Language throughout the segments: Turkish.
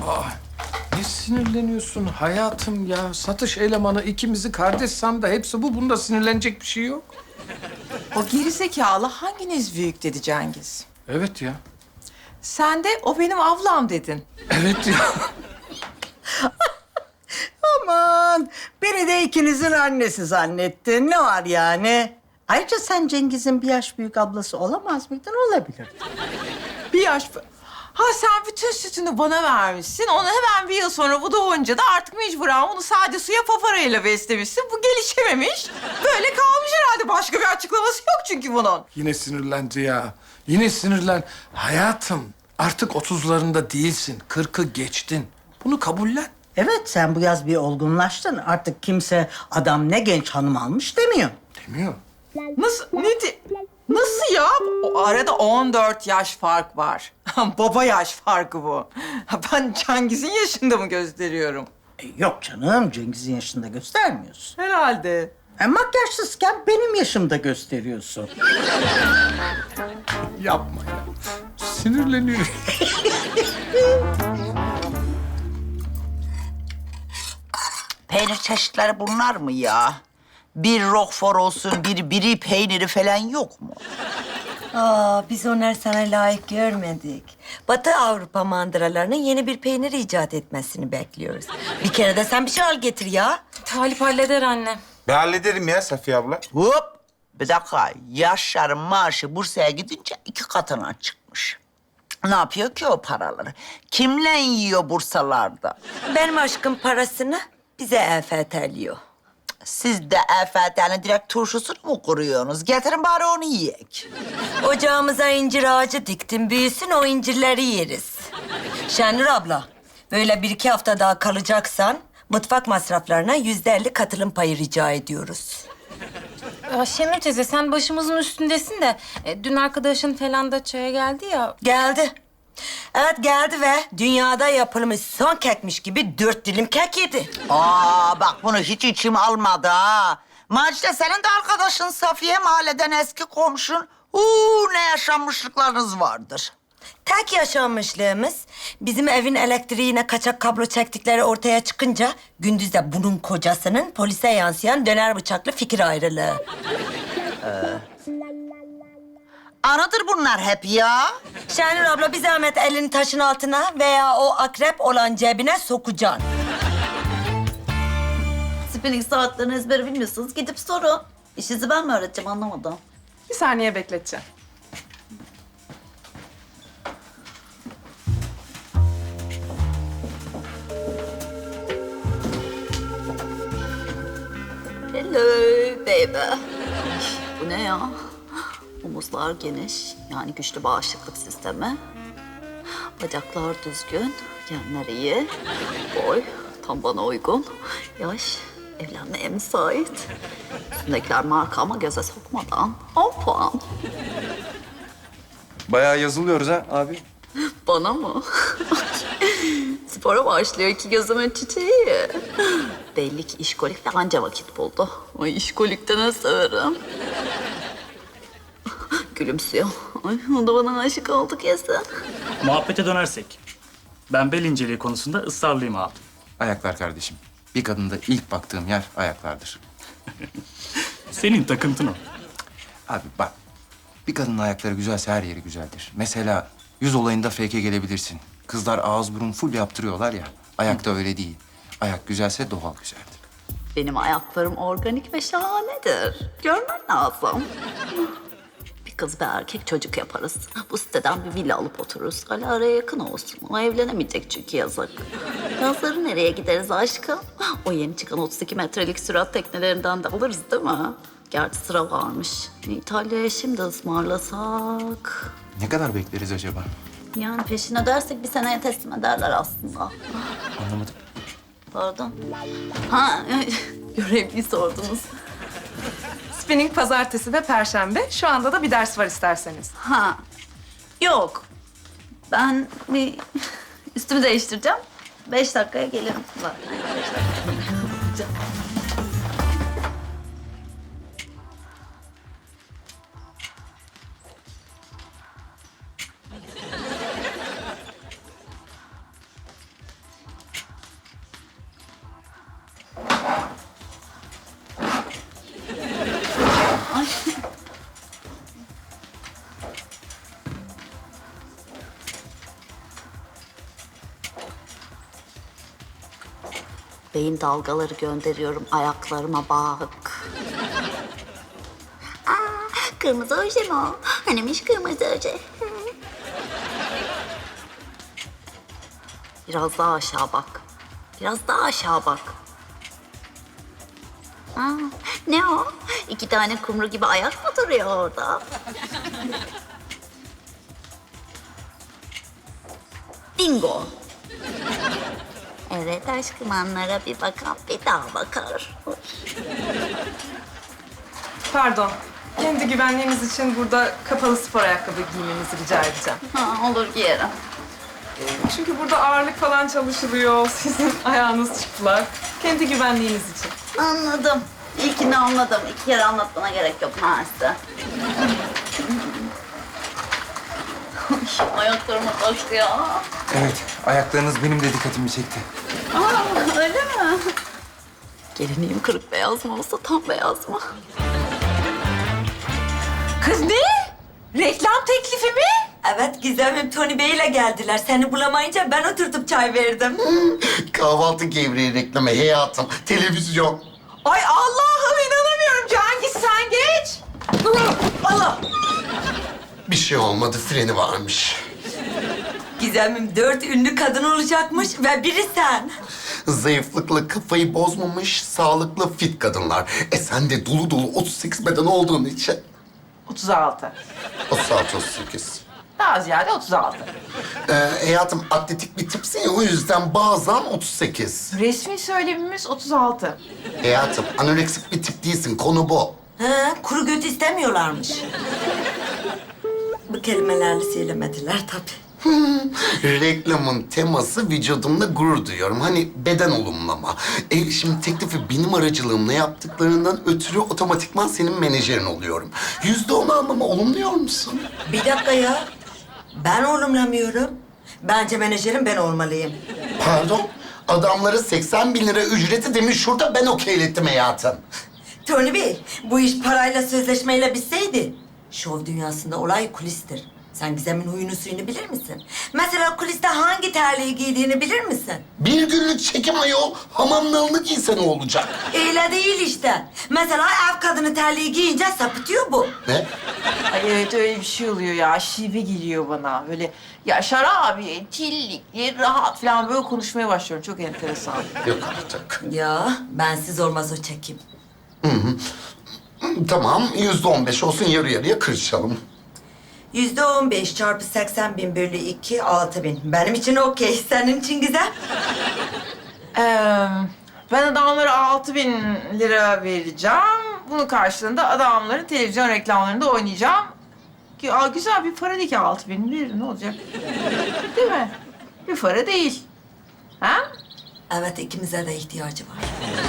Ne sinirleniyorsun hayatım ya? Satış elemanı ikimizi kardeş sandı. Hepsi bu. Bunda sinirlenecek bir şey yok. O gerizekalı hanginiz büyük dedi Cengiz. Evet ya. Sen de o benim ablam dedin. Evet ya. Aman, beni de ikinizin annesi zannettin. Ne var yani? Ayrıca sen Cengiz'in bir yaş büyük ablası olamaz mıydın? Olabilir. Bir yaş... Ha sen bütün sütünü bana vermişsin. Onu hemen bir yıl sonra bu doğunca da artık mecburen bunu sade suya paparayla beslemişsin. Bu gelişememiş. Böyle kalmış herhalde. Başka bir açıklaması yok çünkü bunun. Yine sinirlendi ya. Yine sinirlen. Hayatım artık 30'larında değilsin. 40'ı geçtin. Bunu kabullen. Evet, sen bu yaz bir olgunlaştın. Artık kimse adam ne genç hanım almış demiyor. Demiyor. Nasıl? Nasıl ya? O arada 14 yaş fark var. Baba yaş farkı bu. Ben Cengiz'in yaşında mı gösteriyorum? Yok canım, Cengiz'in yaşında göstermiyorsun. Herhalde. Makyajsızken benim yaşımda gösteriyorsun. Yapma ya. Sinirleniyor. Peynir çeşitleri bunlar mı ya? Bir Roquefort olsun, bir biri peyniri falan yok mu? Biz onları sana layık görmedik. Batı Avrupa mandıralarının yeni bir peynir icat etmesini bekliyoruz. Bir kere de sen bir şey al getir ya. Talip halleder anne. Ben hallederim ya Safiye abla. Hop! Bir dakika, Yaşar'ın maaşı Bursa'ya gidince 2 katına çıkmış. Ne yapıyor ki o paraları? Kimle yiyor Bursalarda? Benim aşkım parasını bize EFT'liyor. Siz de EFT'nin direkt turşusunu mu kuruyorsunuz? Getirin bari onu yiyek. Ocağımıza incir ağacı diktim. Büyüsün o incirleri yeriz. Şenur abla, böyle 1-2 hafta daha kalacaksan mutfak masraflarına %50 katılım payı rica ediyoruz. Şenur teyze sen başımızın üstündesin de dün arkadaşın falan da çaya geldi ya. Geldi. Evet geldi ve dünyada yapılmış son kekmiş gibi 4 dilim kek yedi. Bak bunu hiç içim almadı ha. Macide senin de arkadaşın Safiye, mahalleden eski komşun. Ne yaşanmışlıklarınız vardır. Tek yaşanmışlığımız bizim evin elektriğine kaçak kablo çektikleri ortaya çıkınca gündüz de bunun kocasının polise yansıyan döner bıçaklı fikir ayrılığı. Anıdır bunlar hep ya. Şenur abla bir zahmet elini taşın altına veya o akrep olan cebine sokacaksın. Spinning saatlerini ezbere bilmiyorsunuz. Gidip sorun. İşinizi ben mi öğreteceğim anlamadım. Bir saniye bekleteceğim. Hello baby. Bu ne ya? Omuzlar geniş. Yani güçlü bağışıklık sistemi. Bacaklar düzgün. Genler iyi. Boy tam bana uygun. Yaş evlenmeye müsait. Üstündekiler marka ama göze sokmadan 10 puan. Bayağı yazılıyoruz ha abi. Bana mı? Spora başlıyor iki gözümün çiçeği. Belli ki işkolik ve anca vakit buldu. Ay işkolikte ne severim. Gülümsüyor. Ay o da bana aşık oldu kesin. Muhabbete dönersek, ben bel inceliği konusunda ısrarlıyım abi. Ayaklar kardeşim. Bir kadında ilk baktığım yer ayaklardır. Senin takıntın o. Abi bak, bir kadının ayakları güzelse her yeri güzeldir. Mesela yüz olayında fake'e gelebilirsin. Kızlar ağız burun full yaptırıyorlar ya. Ayakta öyle değil. Ayak güzelse doğal güzeldir. Benim ayaklarım organik ve şahanedir. Görmen lazım. Bir kız bir erkek çocuk yaparız. Bu siteden bir villa alıp otururuz. Ali araya yakın olsun. O evlenemeyecek çünkü yazık. Yazları nereye gideriz aşkım? O yeni çıkan 32 metrelik sürat teknelerinden de alırız değil mi? Gerçi sıra varmış. İtalya'ya şimdi ısmarlasak. Ne kadar bekleriz acaba? Yani peşin ödersek bir seneye teslim ederler aslında. Anlamadım. Pardon. Ha, görevliyi sordunuz. Spinning pazartesi ve perşembe. Şu anda da bir ders var isterseniz. Ha, yok. Ben bir üstümü değiştireceğim. 5 dakikaya gelirim. Bak. 5 dakika. beyin dalgaları gönderiyorum ayaklarıma bak. Kırmızı oje mi o? Hanimiş kırmızı oje. Biraz daha aşağı bak. Biraz daha aşağı bak. Ne o? 2 tane kumru gibi ayak mı duruyor orada? Bingo. Evet aşkım, anlara bir bakan bir daha bakar. Pardon. Kendi güvenliğiniz için burada kapalı spor ayakkabı giymenizi rica edeceğim. Olur giyerim. Çünkü burada ağırlık falan çalışılıyor. Sizin ayağınız çıplak. Kendi güvenliğiniz için. Anladım. İlkini anladım. 2 kere anlatmana gerek yok Mersi. Ayaklarıma taştı ya. Evet, ayaklarınız benim de dikkatimi çekti. Öyle mi? Gelinliğim kırık beyaz mı olsa tam beyaz mı? Kız ne? Reklam teklifi mi? Evet Gizem'im Tony Bey'le geldiler. Seni bulamayınca ben oturtup çay verdim. Kahvaltı gevreği reklamı hayatım. Televizyon. Ay Allah'ım inanamıyorum. Cengiz sen geç. Allah. Bir şey olmadı, freni varmış. Gizem'im 4 ünlü kadın olacakmış ve biri sen. Zayıflıkla kafayı bozmamış, sağlıklı, fit kadınlar. Sen de dolu dolu 38 beden olduğun için. 36. 36-38. Daha ziyade 36. Hayatım atletik bir tipsin ya, o yüzden bazen 38. Resmi söylemimiz 36. Hayatım anoreksik bir tip değilsin, konu bu. Ha, kuru göt istemiyorlarmış. Bu kelimelerle söylemediler tabii. Reklamın teması vücudumla gurur duyuyorum. Hani beden olumlama. Şimdi teklifi benim aracılığımla yaptıklarından ötürü otomatikman senin menajerin oluyorum. %10 almamı olumluyor musun? Bir dakika ya. Ben olumlamıyorum. Bence menajerim ben olmalıyım. Pardon? Adamlara 80 bin lira ücreti demiş şurada, ben okeylettim hayatım. Tony Bey, bu iş parayla sözleşmeyle bitseydi, şov dünyasında olay kulistir. Sen Gizem'in huyunu suyunu bilir misin? Mesela kuliste hangi terliği giydiğini bilir misin? Bir günlük çekim ayol, hamam nalını giyse ne olacak? Öyle değil işte. Mesela ev kadını terliği giyince sapıtıyor bu. Ne? Ay evet öyle bir şey oluyor ya. Şive geliyor bana. Böyle Yaşar abi, tillikli, rahat falan böyle konuşmaya başlıyorum. Çok enteresan. Yok artık. Ya bensiz olmaz o çekim. Tamam, %15 olsun, yarı yarıya kırışalım. %15 çarpı 80 bin bölü 2, 6 bin. Benim için okey. Senin için güzel. Ben adamlara 6.000 lira vereceğim. Bunun karşılığında adamların televizyon reklamlarında oynayacağım. Ki, güzel bir para değil ki 6.000 verir, ne olacak? Değil mi? Bir para değil. Ha? Evet, ikimize de ihtiyacı var.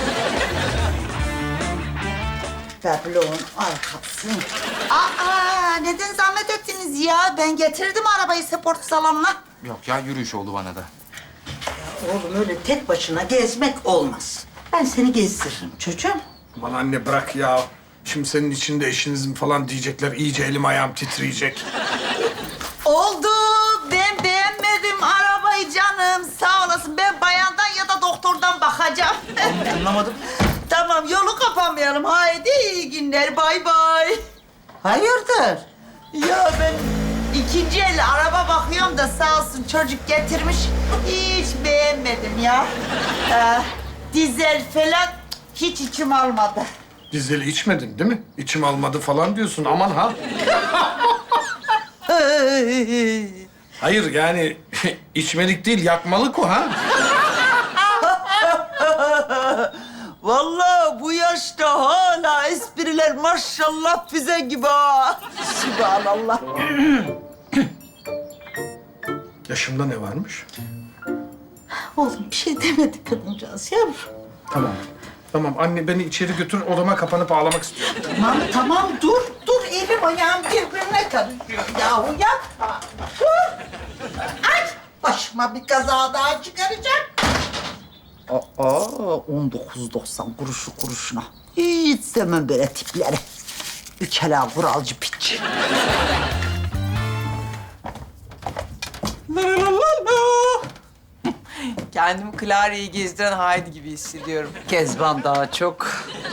Tablonun arkası. Neden zahmet ettiniz ya? Ben getirdim arabayı spor salonuna. Yok ya, yürüyüş oldu bana da. Oğlum öyle tek başına gezmek olmaz. Ben seni gezdiririm çocuğum. Aman anne bırak ya. Şimdi senin içinde eşinizin falan diyecekler. İyice elim ayağım titreyecek. Oldu. Ben beğenmedim arabayı canım. Sağ olasın. Ben bayandan ya da doktordan bakacağım. Anlamadım. Tamam, yolu kapamayalım. Haydi iyi günler. Bay bay. Hayırdır? Ya ben ikinci el araba bakıyorum da sağ olsun çocuk getirmiş. Hiç beğenmedim ya. Dizel falan hiç içim almadı. Dizeli içmedin değil mi? İçim almadı falan diyorsun. Aman ha. Hayır yani içmelik değil, yakmalık o ha. Vallahi bu yaşta hala espriler maşallah füze gibi ha. Sübhanallah. Yaşımda ne varmış? Oğlum bir şey demedi kadıncağız yavrum. Tamam. Tamam anne, beni içeri götür, odama kapanıp ağlamak istiyorum. Tamam dur elim ayağım birbirine karışıyor yahu yapma. Dur. Ay başıma bir kaza daha çıkaracak. 19.90 kuruşu kuruşuna. Hiç sevmem böyle tipleri. Ükela kuralcı piç. Kendimi Clara'yı gezdiren Haydi gibi hissediyorum. Kezban daha çok.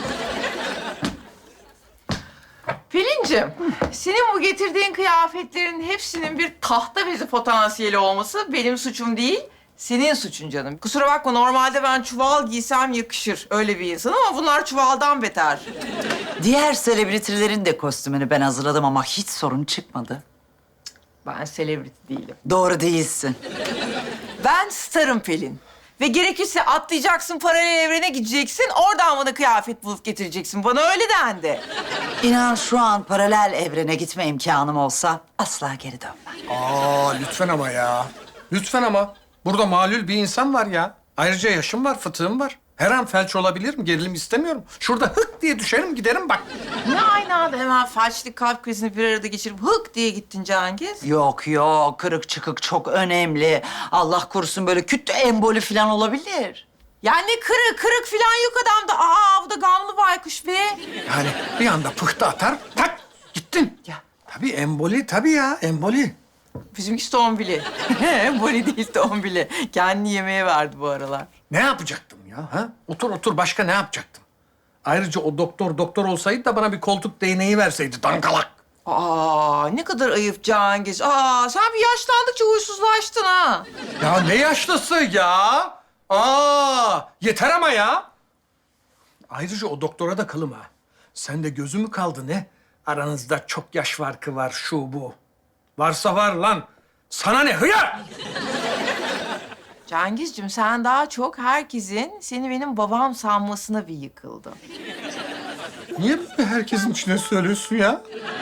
Pelin'cim, senin bu getirdiğin kıyafetlerin hepsinin bir tahta bezi potansiyeli olması benim suçum değil, senin suçun canım. Kusura bakma, normalde ben çuval giysem yakışır. Öyle bir insan ama bunlar çuvaldan beter. Diğer selebritilerin de kostümünü ben hazırladım ama hiç sorun çıkmadı. Ben selebriti değilim. Doğru değilsin. Ben starım Pelin. Ve gerekirse atlayacaksın, paralel evrene gideceksin. Oradan bana kıyafet bulup getireceksin. Bana öyle dendi. İnan şu an paralel evrene gitme imkanım olsa asla geri dönmem. Aa lütfen ama ya. Lütfen ama. Burada malul bir insan var ya. Ayrıca yaşım var, fıtığım var. Her an felç olabilirim, gerilim istemiyorum. Şurada hık diye düşerim giderim bak. Ne aynı anda hemen felçlik kalp krizini bir arada geçirip hık diye gittin Cengiz? Yok yok, kırık çıkık çok önemli. Allah korusun böyle küt emboli falan olabilir. Yani kırık falan yok adamda. Aa bu da gamlı baykuş be. Yani bir anda pıhtı atar, tak gittin. Ya. Tabii emboli, tabii ya emboli. Bizimkisi tombili. Emboli değil tombili. Kendini yemeğe verdi bu aralar. Ne yapacaktım ya? Ha? Otur başka ne yapacaktım? Ayrıca o doktor olsaydı da bana bir koltuk değneği verseydi dangalak. Aa ne kadar ayıp Cengiz. Aa sen bir yaşlandıkça huysuzlaştın ha. Ya ne yaşlısı ya? Aa yeter ama ya. Ayrıca o doktora da kılım ha. Sen de gözü mü kaldı ne? Aranızda çok yaş farkı var şu bu. Varsa var lan. Sana ne hıyar? Cengizciğim sen daha çok herkesin seni benim babam sanmasına bir yıkıldın. Niye böyle herkesin içine söylüyorsun ya?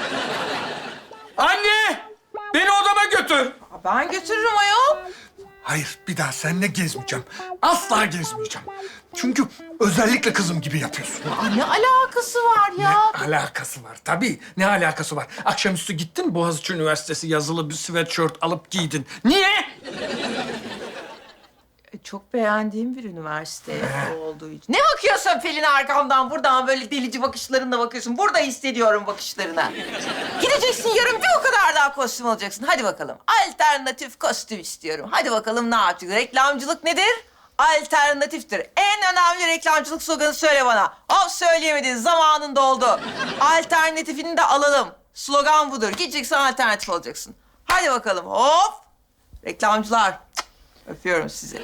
Anne! Beni odama götür. Aa, ben götürürüm ayol. Hayır, bir daha seninle gezmeyeceğim. Asla gezmeyeceğim. Çünkü özellikle kızım gibi yapıyorsun. Aa, ne alakası var ya? Ne alakası var? Tabii, ne alakası var? Akşamüstü gittin, Boğaziçi Üniversitesi yazılı bir sweatshirt alıp giydin. Niye? Çok beğendiğim bir üniversite olduğu için. Ne bakıyorsun Pelin arkamdan? Buradan böyle delici bakışlarınla bakıyorsun. Burada hissediyorum bakışlarına. Gideceksin yarın bir o kadar daha kostüm alacaksın. Hadi bakalım. Alternatif kostüm istiyorum. Hadi bakalım ne yapacağız? Reklamcılık nedir? Alternatiftir. En önemli reklamcılık sloganı söyle bana. Hop söyleyemedin. Zamanın doldu. Alternatifini de alalım. Slogan budur. Gideceksin alternatif olacaksın. Hadi bakalım. Hop. Reklamcılar. Öpüyorum sizi.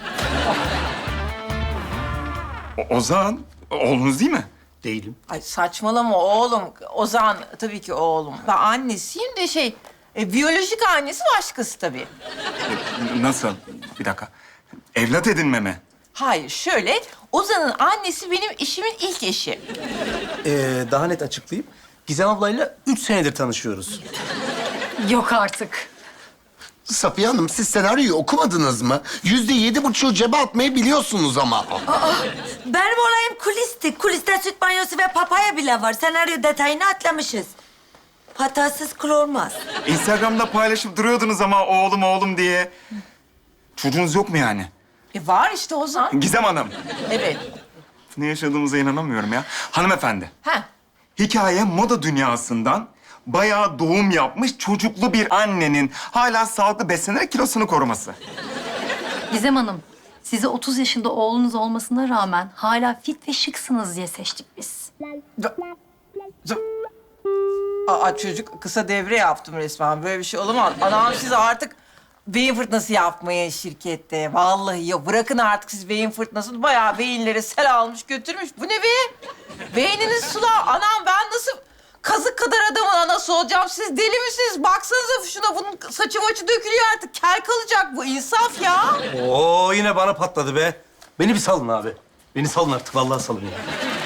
Ozan, oğlunuz değil mi? Değilim. Ay saçmalama oğlum. Ozan tabii ki oğlum. Ben annesiyim de biyolojik annesi başkası tabii. Nasıl? Bir dakika. Evlat edinme mi? Hayır şöyle, Ozan'ın annesi benim eşimin ilk eşi. Daha net açıklayayım. Gizem ablayla 3 senedir tanışıyoruz. Yok artık. Safiye Hanım, siz senaryoyu okumadınız mı? %7,5'u cebe atmayı biliyorsunuz ama. Benim olayım kulisti. Kuliste süt banyosu ve papaya bile var. Senaryo detayını atlamışız. Hatasız kul olmaz. Instagram'da paylaşıp duruyordunuz ama oğlum diye. Çocuğunuz yok mu yani? Var işte Ozan. Gizem Hanım. Evet. Ne yaşadığımıza inanamıyorum ya. Hanımefendi, Ha. hikaye moda dünyasından bayağı doğum yapmış çocuklu bir annenin hala sağlıklı beslenerek kilosunu koruması. Gizem Hanım, size 30 yaşında oğlunuz olmasına rağmen hala fit ve şıksınız diye seçtik biz. Aa çocuk kısa devre yaptım resmen. Böyle bir şey olamaz. Anam siz artık beyin fırtınası yapmayın şirkette. Vallahi ya bırakın artık siz beyin fırtınasını. Bayağı beyinleri sel almış götürmüş. Bu ne be? Beyniniz sular. Anam ben nasıl kazık kadar adamın anası olacağım? Siz deli misiniz? Baksanıza şuna, bunun saçı maçı dökülüyor artık. Kel kalacak bu. İnsaf ya. Oo yine bana patladı be. Beni bir salın abi. Beni salın artık, vallahi salın ya.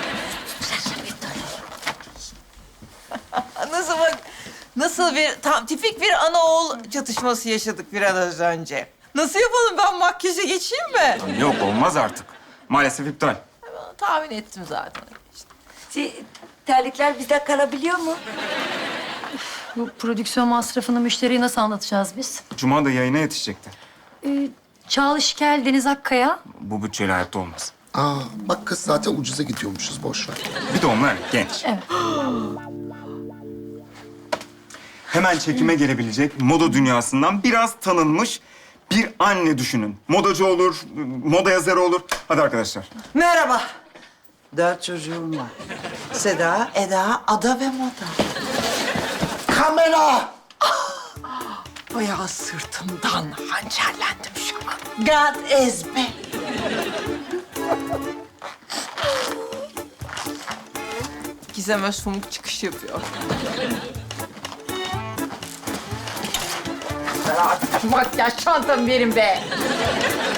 Nasıl bak, nasıl bir tam tipik bir ana oğul çatışması yaşadık biraz önce. Nasıl yapalım, ben makyaja geçeyim mi? Yok, olmaz artık. Maalesef iptal. Tahmin ettim zaten. Terlikler bizde kalabiliyor mu? Bu prodüksiyon masrafını müşteriye nasıl anlatacağız biz? Cuma da yayına yetişecekti. Çağla Şikel, Deniz Akkaya. Bu bütçeyle hayatta olmaz. Aa, bak kız zaten ucuza gidiyormuşuz, boş ver. Bir de onlar genç. Evet. Hemen çekime gelebilecek moda dünyasından biraz tanınmış bir anne düşünün. Modacı olur, moda yazarı olur. Hadi arkadaşlar. Merhaba. 4 çocuğum var. Seda, Eda, Ada ve Moda. Kamera! Bayağı sırtımdan hançerlendim şu an. God is back. Gizem Özfumuk çıkış yapıyor. Makyaj çantamı verin be.